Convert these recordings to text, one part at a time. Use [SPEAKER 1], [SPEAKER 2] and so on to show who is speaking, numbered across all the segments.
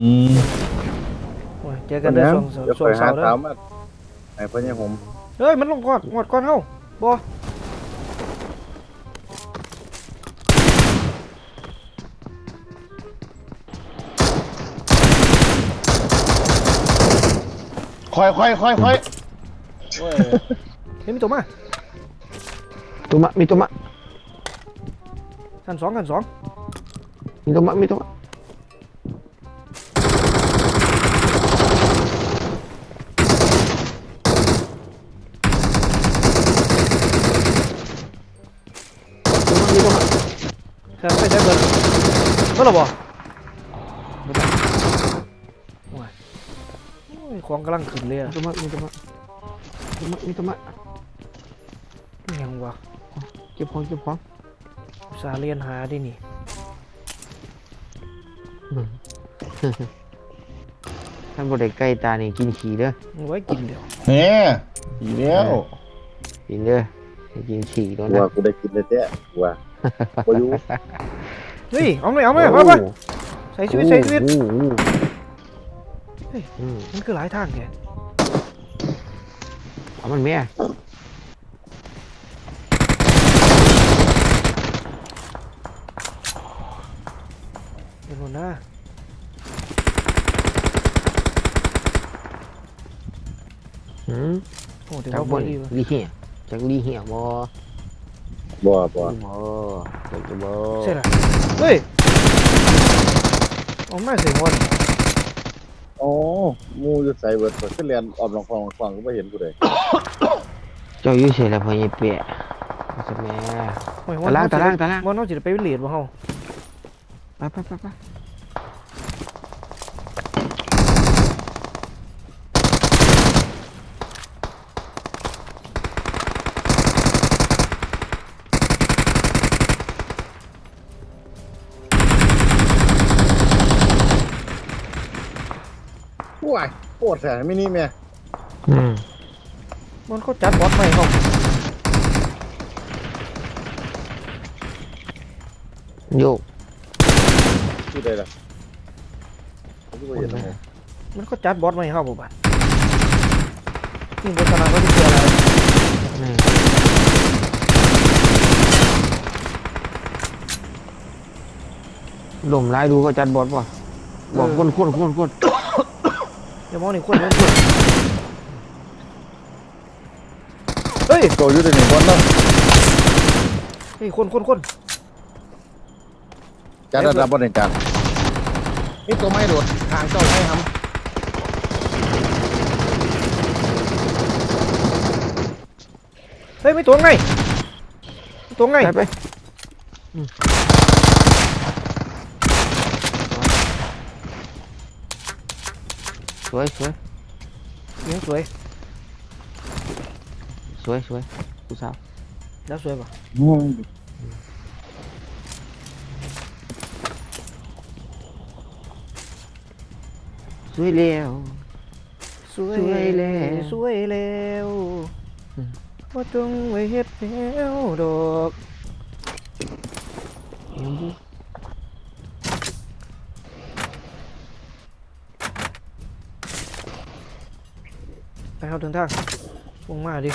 [SPEAKER 1] อืม
[SPEAKER 2] โอ้ยเจอกันเด้อช่วงเสาร์เด้อ
[SPEAKER 3] ไอ้พ่อเนี่ยผม
[SPEAKER 2] เฮ้ยมันลงก่อนงอดก่อนเฮาบ่
[SPEAKER 1] ค่อยโอ้ย
[SPEAKER 2] เฮ้ยมีตัวมา
[SPEAKER 4] มีตัวมะ
[SPEAKER 2] กันสอง
[SPEAKER 4] มีตัวมะ
[SPEAKER 2] แค่ไปได้เบิดเมื่อไหร่บ่โอ้ยของกำลังขึ้นเลยอะ
[SPEAKER 4] มีตัวมะ
[SPEAKER 2] ยังวะ
[SPEAKER 4] เก็บของ
[SPEAKER 2] อุตส่าห์เรียนหาดินี่
[SPEAKER 4] ท่านบริใกล้ตานี่กินขี้เด้อ
[SPEAKER 2] มันไว้กินเดี๋ยว
[SPEAKER 1] เนี่ยอีกแล้ว
[SPEAKER 4] กินเด้อกินขี้ตัวนั้
[SPEAKER 3] ว่าน กูได้กินเลยเจ้ว่าพออยู่
[SPEAKER 2] เฮ้ยเอาเลยไปใส่ชีวิตเฮ้ยมันคือหลายทางแก
[SPEAKER 4] เอามันแม่
[SPEAKER 2] เป็นคนหน้าโอ้แต่
[SPEAKER 4] จาก
[SPEAKER 2] ว่า
[SPEAKER 4] บ
[SPEAKER 2] บ่
[SPEAKER 4] น
[SPEAKER 2] ดีว่ะ
[SPEAKER 4] ลีเหี้ยจากลีเหี้ยบ่ จากบ่
[SPEAKER 2] ใช่ล่ะเฮ้ยเอามาเสียงวัน
[SPEAKER 3] อ๋อมูจะใส่เบิร์ดขึ้นเรียนออมลองฟังก็ไม่เห็นกูเลย
[SPEAKER 4] เจ้าอยู่เฉยแล้วพ่อใหญ่เปียจะแม่ ตาราง
[SPEAKER 2] วันน้องจะไปเรียนบ่เฮา
[SPEAKER 4] ไป
[SPEAKER 3] ว้ายปวดแสบไม่นี่แม่
[SPEAKER 2] มันเขาจัดบอสใหม่เขา
[SPEAKER 4] โยก
[SPEAKER 3] ที่ใดล่ะผมก็เห็นนะ
[SPEAKER 2] มันเขาจัดบอสใหม่เขาบ่บัดนี่บทสนทนาเขาจะเจออะไร
[SPEAKER 4] ลมไล่ดูก็จัดบอสป่ะบอกคน
[SPEAKER 2] อย่ามองนี่คนเฮ้ย
[SPEAKER 3] โตอยู่ในหนึ่งวันเนาะ
[SPEAKER 2] เฮ้ยคน
[SPEAKER 3] จานระดับบนในจานนี่ตัวไม่โดดทางเจ้าให้ทำ
[SPEAKER 2] เฮ้ยไม่ตัวไง
[SPEAKER 4] ไปสวย
[SPEAKER 2] ยิงสวย
[SPEAKER 4] ผู้สาว
[SPEAKER 2] แล้วสวยป่ะ
[SPEAKER 4] สวยแล้ว
[SPEAKER 2] สวยแล้วว่าจงไว้เฮ็ดแล้วดอกไปเอาถึงทางวงมาดิ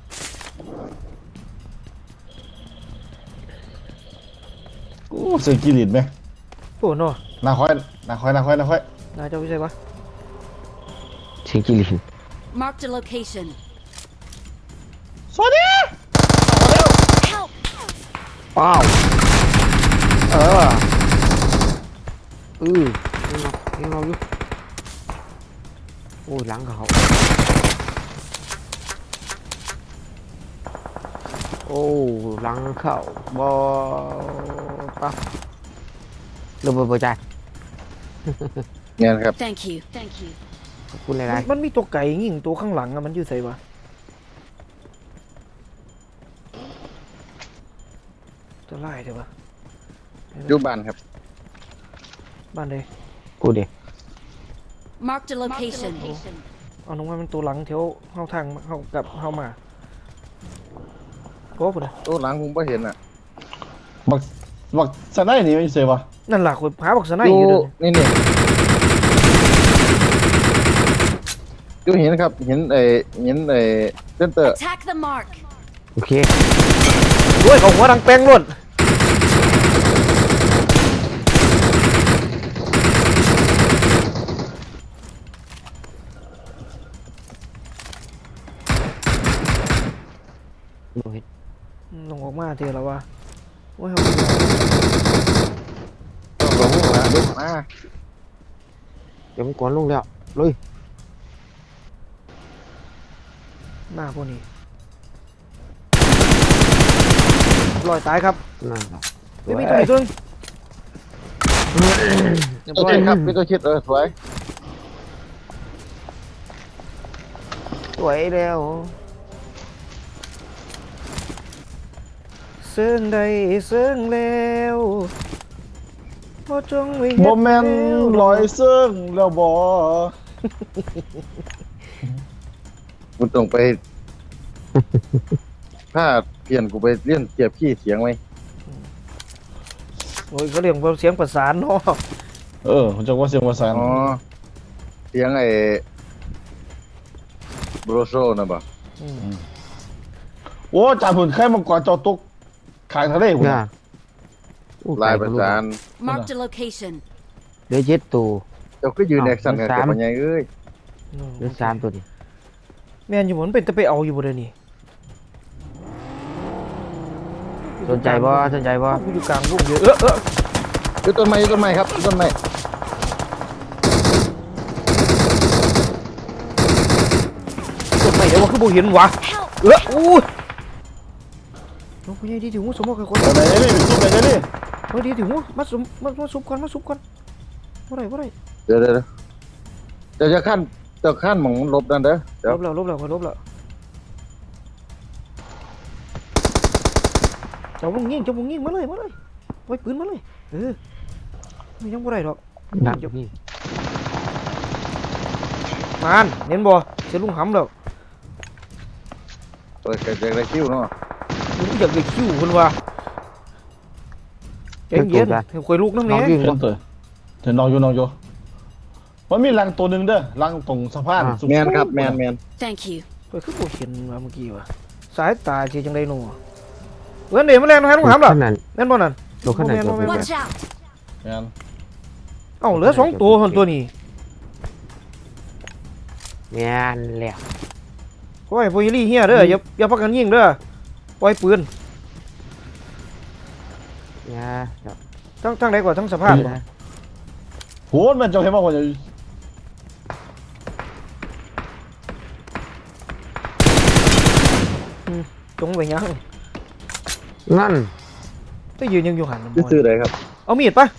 [SPEAKER 1] กูเสือกิริตไหม
[SPEAKER 2] โอ้โน่
[SPEAKER 1] นาค่อย
[SPEAKER 2] นายเจ้าวิชัยปะ
[SPEAKER 4] เสียงกิริน
[SPEAKER 5] Marked a location.
[SPEAKER 1] สวัสดี
[SPEAKER 5] Help!
[SPEAKER 4] ป้าวยังเราอยู่โอ้ยหลังเขาโอ้หลังเขาบ่ปะเริ่มเปิดใจ
[SPEAKER 3] เงี้ยครับ
[SPEAKER 5] Thank you. Thank you.
[SPEAKER 4] ขอบคุณหลาย
[SPEAKER 2] มันมีตัวไก่ยิงตัวข้างหลังอะมันอยู่ไสวะตัวไล่เดี๋ยววะ
[SPEAKER 3] อยู่บ้านครับ
[SPEAKER 2] บ้านใด
[SPEAKER 4] ๆกูเด็ก
[SPEAKER 5] Marked a location.
[SPEAKER 2] เอาน้องว่ามันตัวหลังแถวเฮาทางเฮากับเฮามาโก้ปุ่นนะ
[SPEAKER 3] ตัวหลังผมไม่เห็นอ่ะ
[SPEAKER 1] บักสไนนี่ไม่เสือวะ
[SPEAKER 2] นั่นล่ะคุยหาบอกสนาย
[SPEAKER 3] อ
[SPEAKER 2] อยู่
[SPEAKER 3] ยู่
[SPEAKER 2] เด้อ
[SPEAKER 3] นี่อยู่เห็นครับเห็นเซนเตอร์
[SPEAKER 5] Attack the mark.
[SPEAKER 4] โอเค
[SPEAKER 2] ด้วยของหัวดังแป้งล้วนลงออกมาเถอะแล้ววะโอ้ย
[SPEAKER 3] ลงมาลงมา
[SPEAKER 4] เดี๋ยวมันกวนลงแล้วเลย
[SPEAKER 2] หน้าพวกนี้ลอยตายครับ
[SPEAKER 4] นั่นครับ
[SPEAKER 2] ไม่มีตัวอีกตัวนึงเรียบ
[SPEAKER 3] โอ
[SPEAKER 2] ร้อ
[SPEAKER 3] เค
[SPEAKER 2] ย
[SPEAKER 3] ครับพี่ตัวชิดสวย
[SPEAKER 4] สวยแล้ว
[SPEAKER 2] เสื่องใดเสื่องแล้วบ่จงไว้
[SPEAKER 1] โมเมนต์ลอยซึ่งแล้วบอ
[SPEAKER 3] กูต้องไป ถ้าเปลี่ยนกูไปเรียนเจียบขี้เสียงไหม
[SPEAKER 2] โอ้ยเขาเรียกว่าเสียงประสานเนาะ
[SPEAKER 1] ผมจะว่าเสียงภาษา
[SPEAKER 3] อ๋อเสียงโบรโซนะบ่
[SPEAKER 1] โอ้จ่าผุนแค่มังกรจอตุกขายทะเลหุ่น
[SPEAKER 4] ย่าอู้
[SPEAKER 3] ลาย
[SPEAKER 4] ไก่
[SPEAKER 3] ประสาน
[SPEAKER 5] Marked a location.
[SPEAKER 4] เหลือ7ตัว
[SPEAKER 3] เจ้าก็ยืนแอคชั่นกัน
[SPEAKER 4] สา
[SPEAKER 3] กั
[SPEAKER 4] ม
[SPEAKER 3] บมันไงเอ้ย
[SPEAKER 4] เหลือ3ตัวนี่
[SPEAKER 2] แม่นอยู่บนเป็นแต่ไปเอาอยู่บนนี่
[SPEAKER 4] สนใจบ่สนใจบ่
[SPEAKER 2] กูอยู่กลางลูกเยอะ
[SPEAKER 3] อยู่ต้นไม้ครับอยู่ต้นไม้
[SPEAKER 2] ตัวไปเดี๋ยวว่าคือบ่เห็นวะ
[SPEAKER 5] Help.
[SPEAKER 2] อู้น้องผู้ใหญ่ดีถึงหูสมมติกับคน
[SPEAKER 1] ไหนนี่เป็นซุปไหนนี่
[SPEAKER 2] เฮ้ยดีถึงหูมาซุปก่อนบ่ได้
[SPEAKER 3] เดี๋ยวจะขั้นหมองลบนั่นเด้อเดี๋ยว
[SPEAKER 2] ลบแล้วเจ้าวงยิงมาเลยไว้ปืนมาเลยมันยังบ่ได้ดอก
[SPEAKER 4] ดักนี่
[SPEAKER 2] มานเน้นบ่เสียลุงหำแล้ว
[SPEAKER 3] เปิดกระจายคิวเนาะ
[SPEAKER 2] ลุงอยากได้คิวเพิ่นว่าใจเย็นให้คอยลูกน้ำ
[SPEAKER 4] น้
[SPEAKER 2] แน่
[SPEAKER 4] องยิง
[SPEAKER 1] เห็นตัวเห็นน้องอยู่มันมีรังตัวหนึ่งเด้อรังตรงสะพาน
[SPEAKER 3] แมนครับแมน
[SPEAKER 5] Thank you.
[SPEAKER 2] คอยคือบ่เห็นว่าเมื่อกี้ว่ะสายตาสิจังได๋หนูเว้นเดี๋ยวมาแล่นให้ลุงหำล่ะ
[SPEAKER 4] ขนาด
[SPEAKER 2] แม่นบ่นั่น
[SPEAKER 4] รถขนาดตัว
[SPEAKER 5] Watch out.
[SPEAKER 1] แมน
[SPEAKER 2] เอ้าเหลือ2ตัวคนตัวนี้
[SPEAKER 4] แม่นแล้ว
[SPEAKER 2] โอ้ยพวกยี่เฮียเด้ออย่าพักกันยิงเด้อปล่อยปืน
[SPEAKER 4] ย่า
[SPEAKER 2] ทั้งใดกว่าทั้งสภาพบ่
[SPEAKER 1] โหมันจะเห็นว่าคนจะ
[SPEAKER 2] จงไว้ยัง
[SPEAKER 4] นั่น
[SPEAKER 2] ไปยืนยังอยู่หัน
[SPEAKER 3] ซื้อเลยครับ
[SPEAKER 2] เอามีดปะ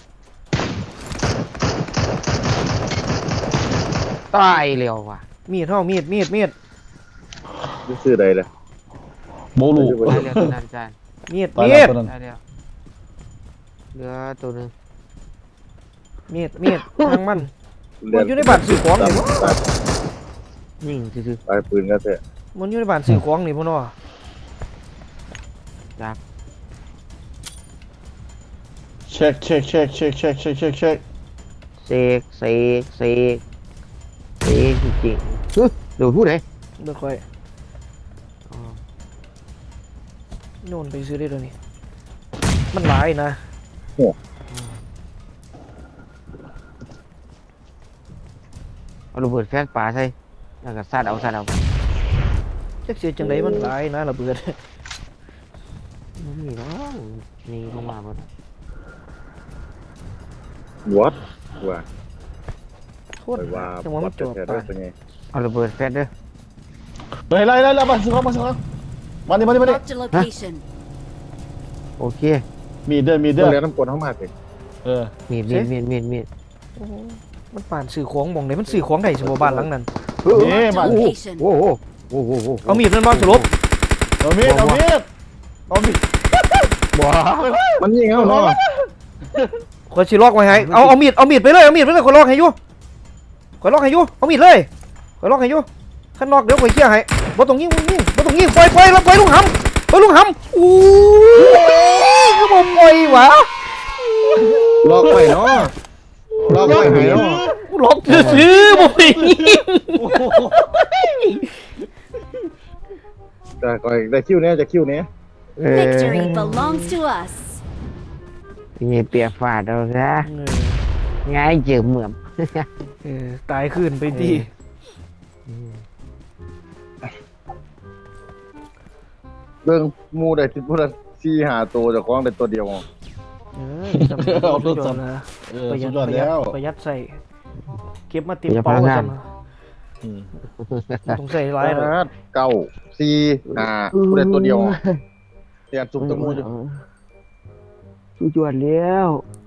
[SPEAKER 4] ตายเร็วว่ะ
[SPEAKER 2] มีดเฮามีด
[SPEAKER 3] ซื้อเลยเลย
[SPEAKER 1] โบลู
[SPEAKER 4] ตายเร็วตัวนั้นจาน
[SPEAKER 2] มีด
[SPEAKER 1] ตายแล้วตัวนั้น
[SPEAKER 4] ตายเร็วเหลือตัวหนึง
[SPEAKER 2] มีดทางมันมันอยู่ในบ้านซื้อของนี่บ่
[SPEAKER 4] ยิงซื่อ
[SPEAKER 3] ปลายปืนก็เถอะ
[SPEAKER 2] มันอยู่ในบ้านซื้อของนี่พ่อเนาะ
[SPEAKER 1] เช็ค
[SPEAKER 4] ๆเสกเจริงๆเดี๋ยวพูดเลย
[SPEAKER 2] เด้อค่อยโน่นไปซื้อได้เดี๋ยวนี้มันหลายนะ
[SPEAKER 4] เอาระเบิดแฟนป่าใส่แล้วก็ซาดเอา
[SPEAKER 2] จักเสียจังไดมันหลายนะระเบิด
[SPEAKER 4] ไม่มีหรอกนี่ลงมาหมด
[SPEAKER 3] วัดว่า
[SPEAKER 2] โคตร
[SPEAKER 3] ไปว่า
[SPEAKER 2] จังหวะมันจบ
[SPEAKER 3] แท้
[SPEAKER 2] ตา
[SPEAKER 3] ได้
[SPEAKER 2] ย
[SPEAKER 3] เป็นไง
[SPEAKER 4] เอาระเบิดแฟนเด้อ
[SPEAKER 1] ไล่มาสิครับมานี่
[SPEAKER 5] Marked a location.
[SPEAKER 4] โอเค
[SPEAKER 1] มีเด้อ
[SPEAKER 3] เรียนน้ำกลเข้ามาสิ
[SPEAKER 4] มีด
[SPEAKER 2] โอ้โหมันป่านซื้อของหม่องไหนมันซื้อของได้สิบ่บ้านหลังนั้น
[SPEAKER 1] นี่
[SPEAKER 5] Marked
[SPEAKER 1] มา
[SPEAKER 5] a location.
[SPEAKER 4] โอ้โห
[SPEAKER 2] เอามีดนั่นบ่สรุป
[SPEAKER 1] เอามีด
[SPEAKER 4] บ่
[SPEAKER 3] มันยิงเอาเนาะ
[SPEAKER 2] ข่อยสิล็อกไว้ให้เอามีดไปเลยข่อยล็อกให้อยู่ข่อยล็อกให้อยู่เอามีดเลยข่อยล็อกให้อยู่คันล็อกเดี๋ยวข่อยเคลียร์ให้บ่ต้องยิงปล่อยลุงหำอู้ยคือบ่ปล่อยวะ
[SPEAKER 3] ล็อกไว้เนาะล็อกไว้ให้เนาะ
[SPEAKER 2] ล็อกซื่อๆบ่ได้ยิง
[SPEAKER 3] แต่ก็ได้คิวเนี้ยจะคิวเนี้ย
[SPEAKER 5] Victory belongs to us.
[SPEAKER 4] นี่เปียกฝาดเราซะ
[SPEAKER 2] เออ
[SPEAKER 4] ง่ายเจือเหมือม
[SPEAKER 2] ตายขึ้นไปดี
[SPEAKER 3] เรื่องหมูได้ที่พูดสี่หาตัวจากของได้ตัวเดียว
[SPEAKER 2] จำเป็น
[SPEAKER 1] เอา
[SPEAKER 2] ต้
[SPEAKER 1] ตั
[SPEAKER 2] อ
[SPEAKER 1] ว
[SPEAKER 2] ง
[SPEAKER 1] ส
[SPEAKER 2] นะ
[SPEAKER 1] ดสุดยอดแล้ว
[SPEAKER 2] ประหยัดใส่เก็บมาเต็มเป้าซะนะ
[SPEAKER 1] อืม
[SPEAKER 2] ต้องใส่หลายเลย
[SPEAKER 3] เก้าสี่หาพูดได้ตัวเดียวเรียนจุ่มตะมูอยู่
[SPEAKER 4] สู้จวดแล้ว